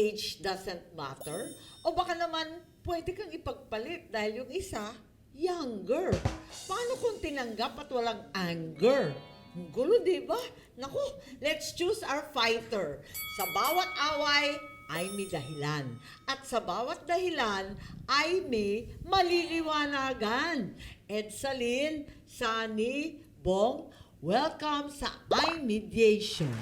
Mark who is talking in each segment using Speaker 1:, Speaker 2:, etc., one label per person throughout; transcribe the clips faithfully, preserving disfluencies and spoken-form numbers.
Speaker 1: age doesn't matter? O baka naman pwede kang ipagpalit dahil yung isa, younger. Paano kung tinanggap at walang anger? Ang gulo, di ba? Naku, let's choose our fighter. Sa bawat away ay may dahilan. At sa bawat dahilan ay may maliliwanagan. Edsalyn, Sunny, Bong, welcome sa iMediation.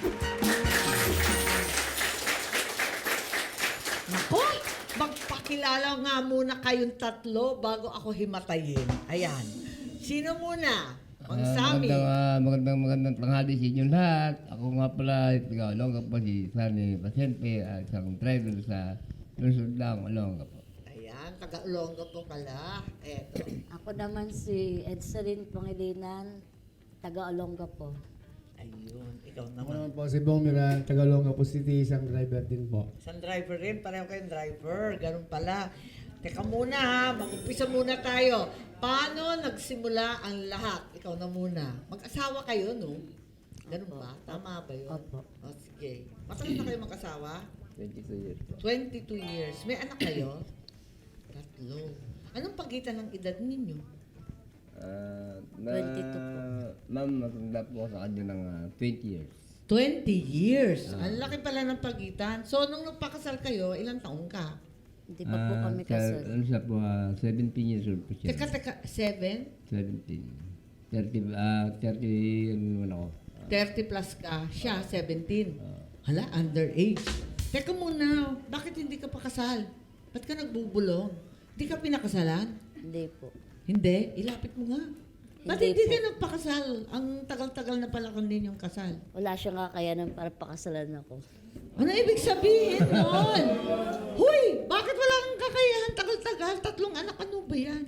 Speaker 1: Nako, magpakilala nga muna kayong tatlo bago ako himatayin. Ayan. Sino muna? Mang
Speaker 2: Ah,
Speaker 1: Sammy.
Speaker 2: magandang, ah, magandang, magandang tanghali sa inyo lahat. Ako nga pala, taga Olonga po si Sunny Pasyente, at isang driver sa Lungsod lang, Olonga po.
Speaker 1: Ayan, taga-Olonga po pala. Eto.
Speaker 3: Ako naman si Edsalyn Pangilinan, taga-Olonga po.
Speaker 1: Ayun, ikaw
Speaker 4: Ako
Speaker 1: naman.
Speaker 4: naman po si Bong Miran, Tagalonga po City, isang driver din po.
Speaker 1: Isang driver rin, pareho kayong driver. Ganun pala. Teka muna ha, mag-umpisa muna tayo. Paano nagsimula ang lahat? Ikaw na muna. Mag-asawa kayo, no? Ganun ba? Tama ba yun?
Speaker 3: Opo.
Speaker 1: O, sige. Matagal na kayo mag-asawa?
Speaker 2: twenty-two years po.
Speaker 1: twenty-two years. May anak kayo? Tatlo. Anong pagitan ng edad ninyo?
Speaker 2: Ah, na,
Speaker 3: twenty-two po.
Speaker 2: Ma'am, matanda po ako sa kanya ng ah, twenty years.
Speaker 1: twenty years. Ang laki pala ng pagitan. So, nung nagpakasal kayo, ilang taong ka?
Speaker 3: Hindi pa po
Speaker 2: Ah,
Speaker 3: kami
Speaker 2: sa-
Speaker 3: kasal.
Speaker 2: Ano siya po, ah, seventeen years old po siya.
Speaker 1: Teka, teka, seven?
Speaker 2: seventeen. thirty, ah, thirty, ano naman ako.
Speaker 1: thirty plus ka, siya seventeen. Hala, underage. Teka muna, bakit hindi ka pa kasal? Ba't ka nagbubulong? Hindi ka pinakasalan?
Speaker 3: Hindi po.
Speaker 1: Hindi, ilapit mo nga. Ba't
Speaker 3: Hindi
Speaker 1: hindi
Speaker 3: po.
Speaker 1: ka nagpakasal? Ang tagal-tagal na pala din yung kasal.
Speaker 3: Wala siyang kakayanan para pakasalan ako.
Speaker 1: Ano ibig sabihin nun? Huy, bakit wala kang kakayahan tagal-tagal? Tatlong anak, ano ba yan?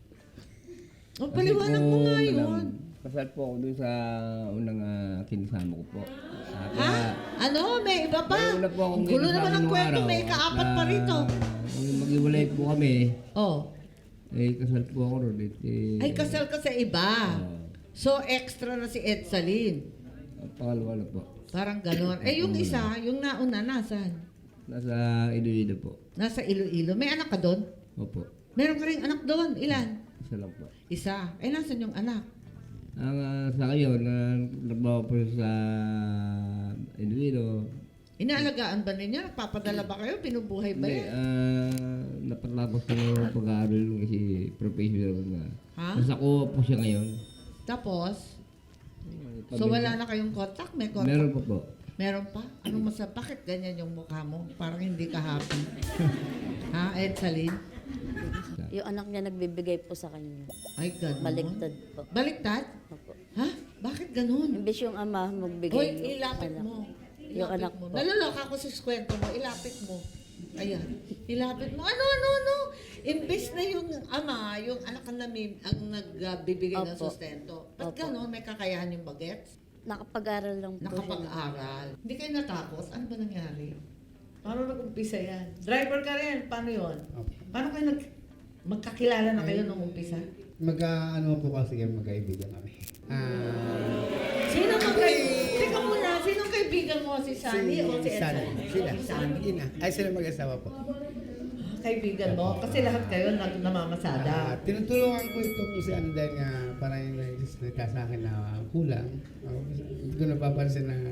Speaker 1: O, paliwanag mo nga
Speaker 2: Kasi po,
Speaker 1: yun.
Speaker 2: madam, Kasal po ako doon sa unang uh, kinasama ko po. Ah,
Speaker 1: Ha?
Speaker 2: kaya-
Speaker 1: Ano? May iba pa?
Speaker 2: May una po akong
Speaker 1: Ang gulo
Speaker 2: kinasama
Speaker 1: naman ng
Speaker 2: nung
Speaker 1: kwento,
Speaker 2: araw
Speaker 1: may kaapat pa
Speaker 2: na
Speaker 1: rito.
Speaker 2: nung Mag-iwalay po kami.
Speaker 1: Oh,
Speaker 2: Eh, kasal po ako ron. Eh, eh,
Speaker 1: ay kasal ka sa iba.
Speaker 2: Oo.
Speaker 1: So, extra na si Edsalyn.
Speaker 2: Ang pangalawa na po.
Speaker 1: Parang ganon. Eh, yung isa, yung nauna, nasan?
Speaker 2: Nasa Iloilo po.
Speaker 1: Nasa Iloilo. May anak ka doon?
Speaker 2: Opo.
Speaker 1: Meron ka rin anak doon. Ilan?
Speaker 2: Isa lang po.
Speaker 1: Isa. Eh, nasan yung anak?
Speaker 2: Ang ah, sa ngayon, na nagbawa po sa Iloilo.
Speaker 1: Inaalagaan ba ninyo? Nagpapadala ba kayo? Pinubuhay ba
Speaker 2: Hindi,
Speaker 1: yan?
Speaker 2: ah, napatapos ko yung pag-aaral ng kasi professional na.
Speaker 1: Ha?
Speaker 2: Nasa kuha po siya ngayon.
Speaker 1: Tapos, so wala na kayong contact? May contact?
Speaker 2: Meron po po.
Speaker 1: Meron pa? Anong masa? Bakit ganyan yung mukha mo? Parang hindi ka happy. Ha, Edsalyn?
Speaker 3: Yung anak niya nagbibigay po sa kanya.
Speaker 1: Ay, ganun.
Speaker 3: Baliktad po.
Speaker 1: Baliktad?
Speaker 3: Opo.
Speaker 1: Ha? Bakit ganun?
Speaker 3: Imbes yung ama magbigay
Speaker 1: Hoy,
Speaker 3: yung
Speaker 1: ilapit
Speaker 3: anak.
Speaker 1: mo.
Speaker 3: Yung
Speaker 1: Ilapit
Speaker 3: anak
Speaker 1: mo.
Speaker 3: po.
Speaker 1: Naloloka ako sa kwento mo. Ilapit mo. Ayan. Ilapit mo. Ano, ano, ano? Imbes na yung ama, yung anak ang, namim, ang nagbibigay ng
Speaker 3: Opo.
Speaker 1: sustento. Ba't
Speaker 3: Opo.
Speaker 1: ganun? May kakayahan yung bagets?
Speaker 3: Nakapag-aral lang po siya.
Speaker 1: Nakapag-aral. Hindi kayo natakot? Ano ba nangyari? Paano nag-umpisa yan? Driver ka rin. Paano yon?
Speaker 4: Okay.
Speaker 1: Paano kayo nag... Magkakilala na kayo nung umpisa?
Speaker 4: Magka, ano po kasi kami, magkaibigan kami. Ah,
Speaker 1: Sino magkay... Teka muna, sinong kaibigan mo? Si Sunny o si
Speaker 4: Sunny.
Speaker 1: Edson?
Speaker 4: Sila.
Speaker 1: Si Sunny.
Speaker 4: Yun na. Ay, sila mag-asawa po.
Speaker 1: Kaibigan mo? Kasi lahat kayo nag
Speaker 4: Ah,
Speaker 1: namamasada.
Speaker 4: tinutulungan ko itong si ano dahil nga parang yung nagka sa akin na kulang. Uh, hindi ko napapansin na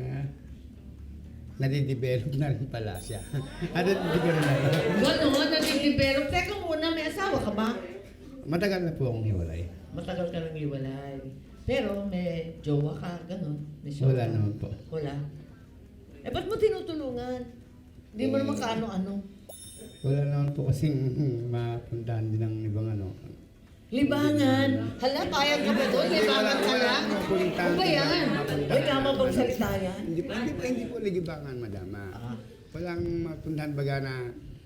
Speaker 4: nadidevelop na rin pala siya. At hindi ko rin alam.
Speaker 1: Gano'n, nag-develop. Teka muna, may asawa ka ba?
Speaker 4: Matagal na po akong hiwalay.
Speaker 1: Matagal ka nang iwalay. Pero may jowa ka, gano'n. May jowa
Speaker 4: Wala
Speaker 1: ka.
Speaker 4: naman po.
Speaker 1: Wala. Eh, ba't mo tinutulungan? Hindi mo
Speaker 4: Eh,
Speaker 1: naman kaano-ano.
Speaker 4: Wala naman po kasing mapuntahan din ng ibang ano.
Speaker 1: Libangan. Hala, payag ka ba doon? Libangan ka lang? Ano ba yan? Ay, tama bang salita yan?
Speaker 4: Hindi po, hindi po, hindi po ligibangan, madama.
Speaker 1: Ah.
Speaker 4: Walang mapuntahan baga na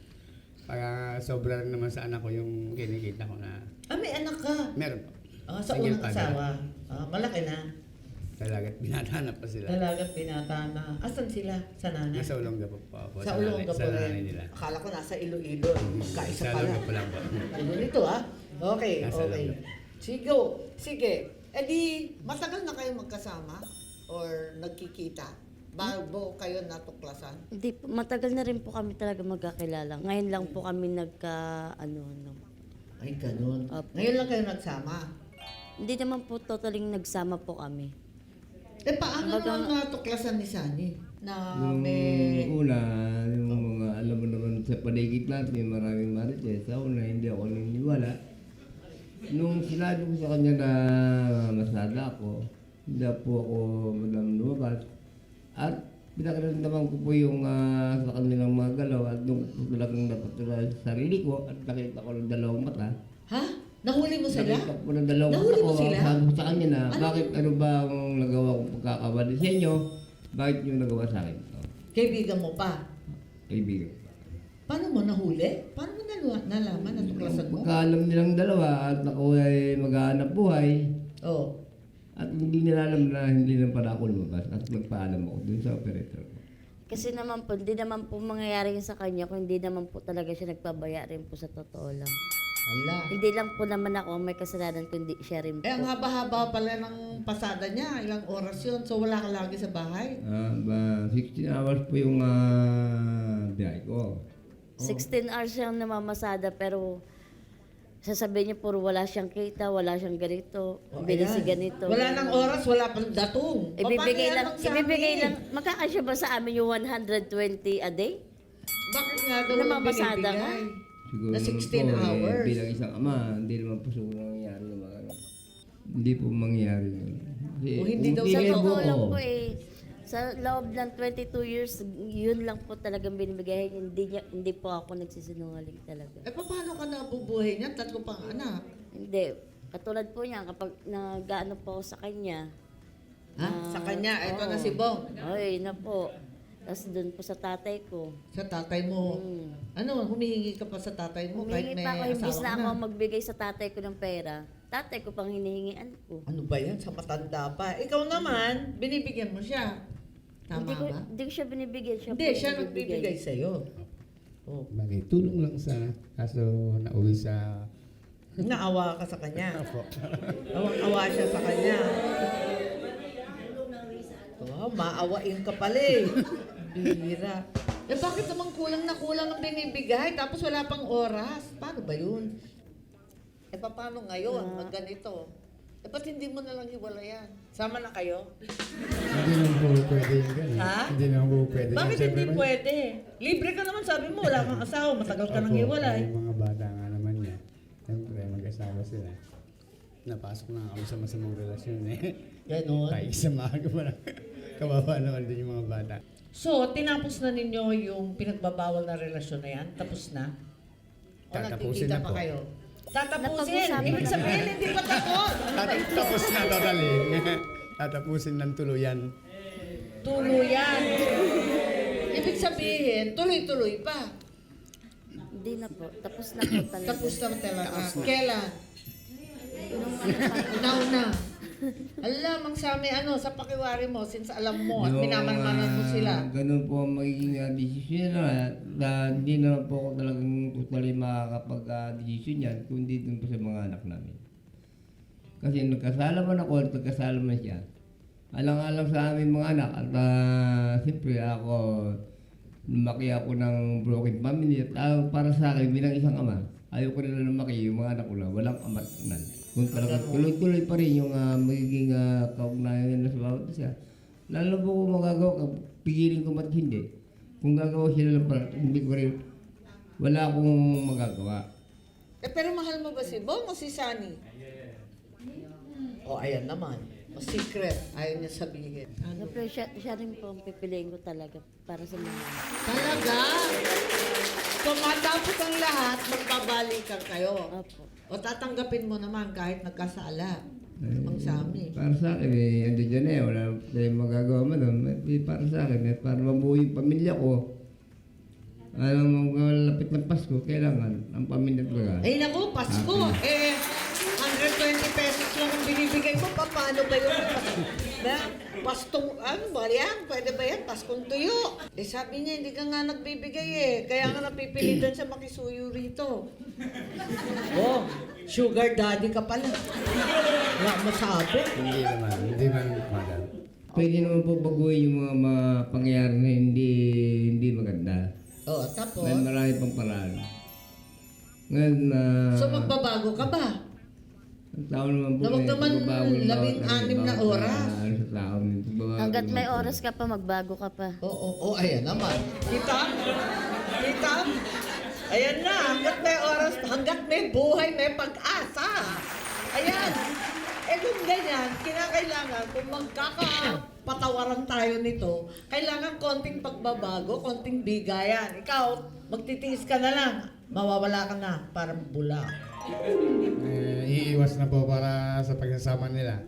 Speaker 4: para sobra lang naman sa anak ko yung kinikita ko na
Speaker 1: Ah, may anak ka.
Speaker 4: meron po.
Speaker 1: Ah, sa
Speaker 4: Single
Speaker 1: unang
Speaker 4: father.
Speaker 1: asawa. Ah, malaki na.
Speaker 4: Talaga't binata na pa sila.
Speaker 1: Dalagat pinata na. Asan sila? Sa nanay?
Speaker 4: Nasa Olonga po po ako.
Speaker 1: Sa Olonga
Speaker 4: nanay-
Speaker 1: po
Speaker 4: Sa nanay
Speaker 1: rin.
Speaker 4: nila.
Speaker 1: Akala ko nasa Iloilo. Kaisa
Speaker 4: Sa
Speaker 1: pala.
Speaker 4: Olonga po lang po.
Speaker 1: Ano nito ah? Okay,
Speaker 4: Nasa
Speaker 1: okay.
Speaker 4: Olonga.
Speaker 1: Sige, sige. E di, matagal na kayo magkasama? Or nagkikita? bago kayo natuklasan?
Speaker 3: Hindi po, matagal na rin po kami talaga magkakilala. Ngayon lang po kami nagka, ano, ano.
Speaker 1: Ay, ganun.
Speaker 3: Opo.
Speaker 1: Ngayon lang kayo nagsama.
Speaker 3: Hindi naman po totaling nagsama po kami.
Speaker 1: Eh, paano
Speaker 3: Baga-
Speaker 1: naman natuklasan ni Sunny? Na
Speaker 2: Yung
Speaker 1: may...
Speaker 2: una, yung mga alam mo naman sa paligid natin, may maraming marites. Sa una, hindi ako naniniwala. Nung sinabi ko sa kanya na masada ako, hindi po ako madam lumabas. At pinakaramdaman ko po yung ah, sa kanilang mga galaw at nung talagang napatuloy sa sarili ko at nakita ko ng dalawang mata.
Speaker 1: Ha? Nahuli mo sila?
Speaker 2: Nakita ko ng dalawang
Speaker 1: Nahuli
Speaker 2: mata
Speaker 1: mo
Speaker 2: ko.
Speaker 1: sila?
Speaker 2: Sabi ko sa kanya na,
Speaker 1: Ano?
Speaker 2: bakit ano ba ang nagawa kong pagkakamali sa inyo? Bakit nyo nagawa sa akin? Oh,
Speaker 1: Kaibigan mo pa.
Speaker 2: kaibigan.
Speaker 1: Paano mo nahuli? Paano mo nalaman, nalaman natuklasan mo?
Speaker 2: Pagkaalam nilang dalawa at ako ay maghahanap buhay
Speaker 1: Oh.
Speaker 2: at hindi nila alam na hindi lang pala ako lumabas at magpaalam ako dun sa operator ko.
Speaker 3: Kasi naman po, hindi naman po mangyayari yun sa kanya kung hindi naman po talaga siya nagpabaya rin po sa totoo lang.
Speaker 1: Hala.
Speaker 3: Hindi lang po naman ako ang may kasalanan kundi siya rin po.
Speaker 1: Eh, ang haba-haba pala ng pasada niya. Ilang oras yun. So, wala ka lagi sa bahay.
Speaker 2: Ah, ba, sixteen hours po yung uh, biyahe ko.
Speaker 3: sixteen hours siyang namamasada pero sasabihin niya puro wala siyang kita, wala siyang ganito,
Speaker 1: Oh,
Speaker 3: bili si
Speaker 1: ayan.
Speaker 3: ganito.
Speaker 1: Wala nang oras, wala pang datong. O,
Speaker 3: Ibibigay
Speaker 1: paano
Speaker 3: lang,
Speaker 1: yan magsabi?
Speaker 3: ibibigay lang, magkakasya ba sa amin yung one hundred twenty a day?
Speaker 1: Bakit nga daw
Speaker 3: Namamasada ka?
Speaker 1: binibigay?
Speaker 2: Siguro
Speaker 1: Na
Speaker 2: naman
Speaker 1: sixteen
Speaker 2: po,
Speaker 1: hours.
Speaker 2: Eh, bilang isang ama, hindi naman po siguro nangyayari yung mga ano. Hindi po mangyayari yun. Kasi
Speaker 1: O, hindi
Speaker 2: kung
Speaker 1: daw
Speaker 3: Sa
Speaker 1: Bigay
Speaker 2: tingin
Speaker 1: mo,
Speaker 3: totoo lang
Speaker 2: ko,
Speaker 3: po eh, sa loob ng twenty-two years, yun lang po talagang binibigay. Hindi, niya, hindi po ako nagsisinungaling talaga.
Speaker 1: Eh, paano ka nabubuhay niya? Tatlo pang anak.
Speaker 3: Hindi. Katulad po niya, kapag nag-ano po ako sa kanya,
Speaker 1: Ha?
Speaker 3: Ah,
Speaker 1: Sa kanya, ito
Speaker 3: oo.
Speaker 1: na si Bong.
Speaker 3: ay, na po. Tapos doon po sa tatay ko.
Speaker 1: Sa tatay mo.
Speaker 3: Hmm.
Speaker 1: Ano, humihingi ka pa sa tatay mo kahit
Speaker 3: Humingi
Speaker 1: may
Speaker 3: pa ako, imbis
Speaker 1: asawa
Speaker 3: na
Speaker 1: ka
Speaker 3: ako
Speaker 1: na.
Speaker 3: magbigay sa tatay ko ng pera, tatay ko pang hinihingian ko.
Speaker 1: Ano ba yan? Sa matanda pa. Ikaw naman, binibigyan mo siya. Tama
Speaker 3: hindi ko,
Speaker 1: ba?
Speaker 3: hindi ko siya binibigyan. Siya
Speaker 1: Hindi,
Speaker 3: po
Speaker 1: siya
Speaker 3: nagbibigay.
Speaker 1: nagbibigay sa'yo. Oh.
Speaker 4: Bagay, tulong lang sana. Kaso nauwi sa...
Speaker 1: Naawa ka sa kanya.
Speaker 4: Apo.
Speaker 1: Awang-awa siya sa kanya. Wow, maawain ka pala eh. Bira. Eh bakit naman kulang na kulang ang binibigay tapos wala pang oras? Paano ba yun? Eh paano ngayon? Mag ganito. Eh ba't hindi mo na lang hiwalayan? Sama na kayo?
Speaker 4: Hindi naman po pwede yung gano'n.
Speaker 1: Ha?
Speaker 4: Hindi naman po pwede.
Speaker 1: Bakit
Speaker 4: Siyempre
Speaker 1: hindi
Speaker 4: man-
Speaker 1: pwede? Libre ka naman sabi mo, wala kang asawa, matagal ka nang
Speaker 4: Opo,
Speaker 1: hiwalay.
Speaker 4: Yung mga bata nga naman niya. Siyempre, mag-asawa sila. Napasok na kami sa masamang relasyon eh.
Speaker 1: Ganon.
Speaker 4: Kahit isa maaga pa lang. Kawawa naman din yung mga bata.
Speaker 1: So, tinapos na ninyo yung pinagbabawal na relasyon na yan? Tapos na? O
Speaker 4: Tatapusin
Speaker 1: nagkikita
Speaker 4: na
Speaker 1: pa
Speaker 4: po.
Speaker 1: kayo? Tatapusin!
Speaker 3: Napag-usapan
Speaker 1: Ibig
Speaker 3: na.
Speaker 1: sabihin, hindi pa tapos!
Speaker 4: Tat- Tapos na totally. Tatapusin ng tuluyan.
Speaker 1: Tuluyan! Ibig sabihin, tuloy-tuloy pa.
Speaker 3: Hindi na po. Tapos na po talaga.
Speaker 1: Tapos na talaga. Kailan?
Speaker 3: Nung ano pa,
Speaker 1: Now na. Alam, ang sami ano, sa pakiwari mo, since alam mo at
Speaker 2: Yung,
Speaker 1: minamanmanan mo
Speaker 2: ah,
Speaker 1: sila.
Speaker 2: Ganun po ang magiging uh, desisyon na, na hindi naman po ako talagang totally makakapag-desisyon yan, kundi dun po sa mga anak namin. Kasi nagkasala man ako at nagkasala man siya. Alang-alang sa aming mga anak at uh, siyempre ako, lumaki ako ng broken family at uh, para sa akin bilang isang ama, ayaw ko nila lumaki yung mga anak ko na walang ama at nan. Kung talagang tuloy-tuloy pa rin yung uh, magiging uh, kaugnayan nila sa bawat isa. Lalo po kung magagawa ka, pigilin ko ba't hindi. Kung gagawa sila ng parang, hindi ko rin, wala akong magagawa.
Speaker 1: Eh, pero mahal mo ba si Bong o si Sunny? O, ayan naman. O, secret. Ayaw niya sabihin. Ano?
Speaker 3: Siyempre, siya, siya rin po ang pipiliin ko talaga para sa mga anak.
Speaker 1: Talaga? So, matapos ang lahat, magbabalikan kayo.
Speaker 3: Opo.
Speaker 1: O tatanggapin mo naman kahit nagkasala.
Speaker 2: Eh,
Speaker 1: Ang sami.
Speaker 2: Para sa akin, eh, ando dyan eh, wala tayong magagawa man doon. Eh, para sa akin, eh, para mabuo yung pamilya ko, alam mo, malapit ng Pasko, kailangan ang pamilya talaga.
Speaker 1: Ay naku, Pasko. Eh, one hundred twenty pesos lang ang binibigay mo. Pa, paano ba yun? Na, pastong, ano ba yan? Pwede ba yan? Paskong tuyo. Eh sabi niya, hindi ka nga nagbibigay eh. Kaya nga napipilitan siya makisuyo rito. Oh, sugar daddy ka pala. Wala masabi.
Speaker 4: Hindi naman. Hindi man madam.
Speaker 2: pwede naman po baguhin yung mga, mga pangyayari na hindi hindi maganda.
Speaker 1: Oh, tapos?
Speaker 2: May marami pang paraan. Ngayon na...
Speaker 1: So magbabago ka ba?
Speaker 2: ang tao naman po
Speaker 1: Na wag
Speaker 2: may
Speaker 1: naman
Speaker 2: pagbabago ng bawat
Speaker 1: labing-anim na
Speaker 2: bawat,
Speaker 1: oras.
Speaker 2: ah, ano sa tao. Pagbabago
Speaker 3: Hanggat may
Speaker 2: naman po.
Speaker 3: oras ka pa, magbago ka pa.
Speaker 1: Oo, oo, oo, ayan naman. Kita? Kita? Ayan na, hanggat may oras, hanggat may buhay, may pag-asa. Ayan. Eh kung ganyan, kinakailangan, kung magkakapatawaran tayo nito, kailangan konting pagbabago, konting bigayan. Ikaw, magtitiis ka na lang, mawawala ka na, parang bula.
Speaker 4: Eh, iiwas na po para sa pagsasama nila.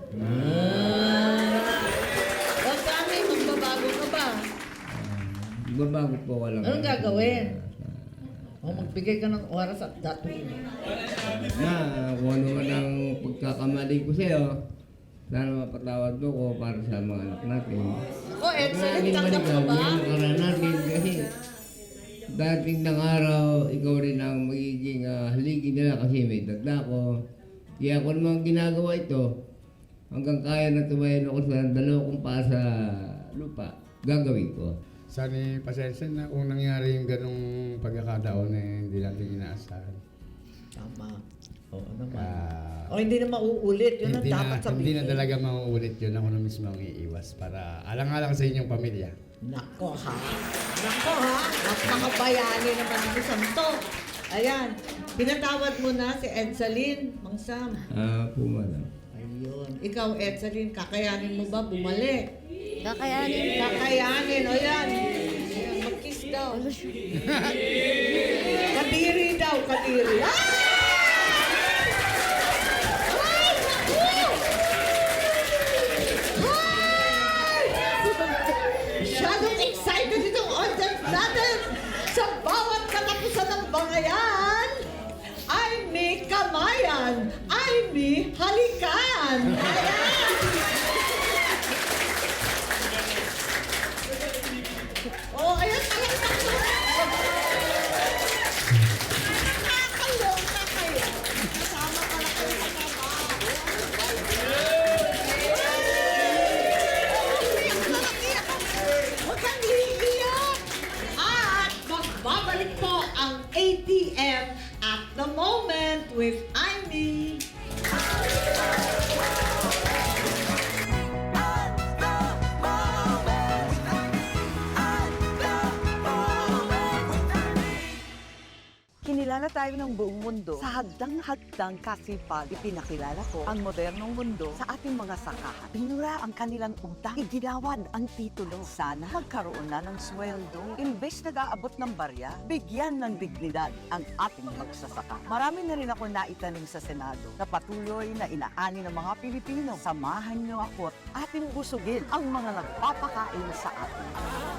Speaker 1: Huwag kami, magbabago ka ba?
Speaker 2: Magbabago po ka lang.
Speaker 1: Anong gagawin? O magbigay ka ng oras at that way.
Speaker 2: Na, kung ano man ang pagkakamali ko sa'yo, sana mapatawad mo ko para sa mga anak natin.
Speaker 1: Ako, excellent,
Speaker 2: Naging
Speaker 1: tanggap mo
Speaker 2: maligaw,
Speaker 1: ba?
Speaker 2: yung nakaraan natin kasi dating ng araw, ikaw rin ang magiging uh, haligi nila kasi may dagda ko. Kaya kung naman ginagawa ito, hanggang kaya na tumayin ako sa dalawa kong pa sa lupa, gagawin ko.
Speaker 4: Sana pasensya na kung nangyari yung ganong pagkakataon eh, hindi natin inaasahan.
Speaker 1: Tama. Oo naman.
Speaker 4: Ah,
Speaker 1: O hindi na mauulit, yun ang
Speaker 4: hindi,
Speaker 1: dapat
Speaker 4: na,
Speaker 1: sabihin.
Speaker 4: hindi na talaga mauulit yun. Ako na mismo ang iiwas para alang-alang sa inyong pamilya.
Speaker 1: Nako ha. Nako ha. Napakabayani naman ng isang to. Ayan. Pinatawad mo na si Edsalyn, Mang Sam.
Speaker 2: Ah, po madam.
Speaker 1: Ayun. Ikaw, Edsalyn, kakayanin mo ba bumalik?
Speaker 3: Kakayanin.
Speaker 1: Kakayanin. O yan. Ayan, mag-kiss daw. Kadiri daw, kadiri. Ah! Ay, naku! Ay! Masyadong excited itong audience natin sa bawat katapusan ng bangayan. Ay, may kamayan. Ay, may halikan. Ayan! Oh, ayan, ayan, nakakaloka kayo. Kasama pala kayo sa trabaho. Iyak na lang, iyak ka. Huwag kang iiyak. At magbabalik po ang A T M at the moment with Amy.
Speaker 5: Kinilala tayo ng buong mundo sa hagdang-hagdang kasipag. Ipinakilala ko ang modernong mundo sa ating mga sakahan. Pinura ang kanilang utang. Iginawan ang titulo. Sana magkaroon na ng sweldo. Imbes nag-aabot ng barya, bigyan ng dignidad ang ating magsasaka. Marami na rin ako naitanim sa Senado na patuloy na inaani ng mga Pilipino. Samahan niyo ako at ating busugin ang mga nagpapakain sa atin.